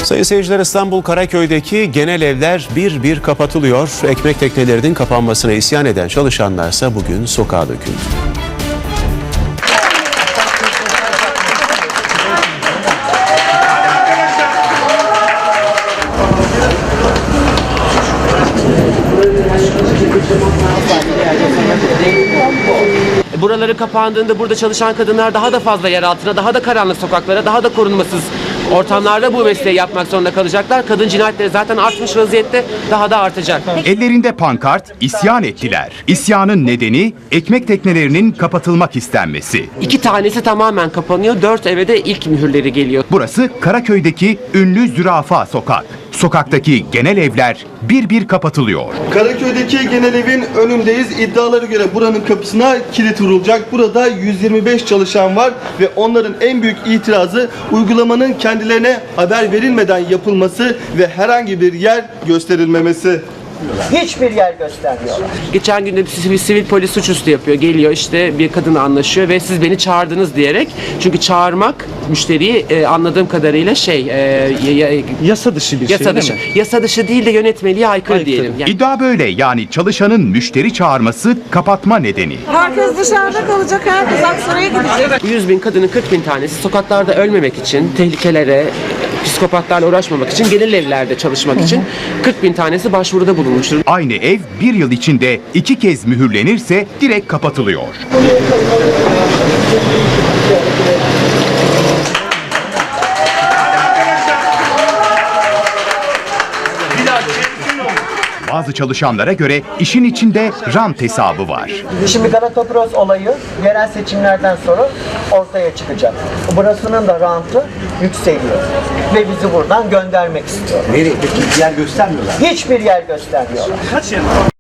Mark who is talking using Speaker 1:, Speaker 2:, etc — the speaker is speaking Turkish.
Speaker 1: Sayın seyirciler, İstanbul Karaköy'deki genel evler bir bir kapatılıyor. Ekmek teknelerinin kapanmasına isyan eden çalışanlarsa bugün sokağa döküldü.
Speaker 2: Buraları kapandığında burada çalışan kadınlar daha da fazla yer altına, daha da karanlık sokaklara, daha da korunmasız ortamlarda bu mesleği yapmak zorunda kalacaklar. Kadın cinayetleri zaten artmış vaziyette, daha da artacak.
Speaker 3: Ellerinde pankart isyan ettiler. İsyanın nedeni ekmek teknelerinin kapatılmak istenmesi.
Speaker 2: 2 tanesi tamamen kapanıyor, 4 eve de ilk mühürleri geliyor.
Speaker 3: Burası Karaköy'deki ünlü Zürafa Sokak. Sokaktaki genel evler bir bir kapatılıyor.
Speaker 4: Karaköy'deki genel evin önündeyiz. İddialara göre buranın kapısına kilit vurulacak. Burada 125 çalışan var ve onların en büyük itirazı uygulamanın kendilerine haber verilmeden yapılması ve herhangi bir yer gösterilmemesi.
Speaker 5: Hiçbir yer göstermiyor.
Speaker 2: Geçen gün de bir sivil polis suçüstü yapıyor. Geliyor işte bir kadınla anlaşıyor ve siz beni çağırdınız diyerek. Çünkü çağırmak müşteriyi anladığım kadarıyla
Speaker 6: Yasa dışı bir
Speaker 2: yasa
Speaker 6: şey
Speaker 2: dışı.
Speaker 6: değil mi?
Speaker 2: Yasa dışı değil de yönetmeliğe aykırı diyelim. Yani
Speaker 3: İddia böyle, yani çalışanın müşteri çağırması kapatma nedeni.
Speaker 7: Herkes dışarıda kalacak, herkes Aksaray'a gidecek.
Speaker 2: 100.000 kadının 40.000 tanesi sokaklarda ölmemek için, tehlikelere, psikopatlarla uğraşmamak için, genel evlerde çalışmak için 40.000 tanesi başvuruda bulunmuştur.
Speaker 3: Aynı ev bir yıl içinde 2 kez mühürlenirse direkt kapatılıyor. Bazı çalışanlara göre işin içinde rant hesabı var.
Speaker 5: Şimdi Galatopros olayı yerel seçimlerden sonra ortaya çıkacak. Burasının da rantı yükseliyor. Ve bizi buradan göndermek istiyor.
Speaker 6: Nereye? Peki yer göstermiyorlar.
Speaker 5: Hiçbir yer göstermiyorlar.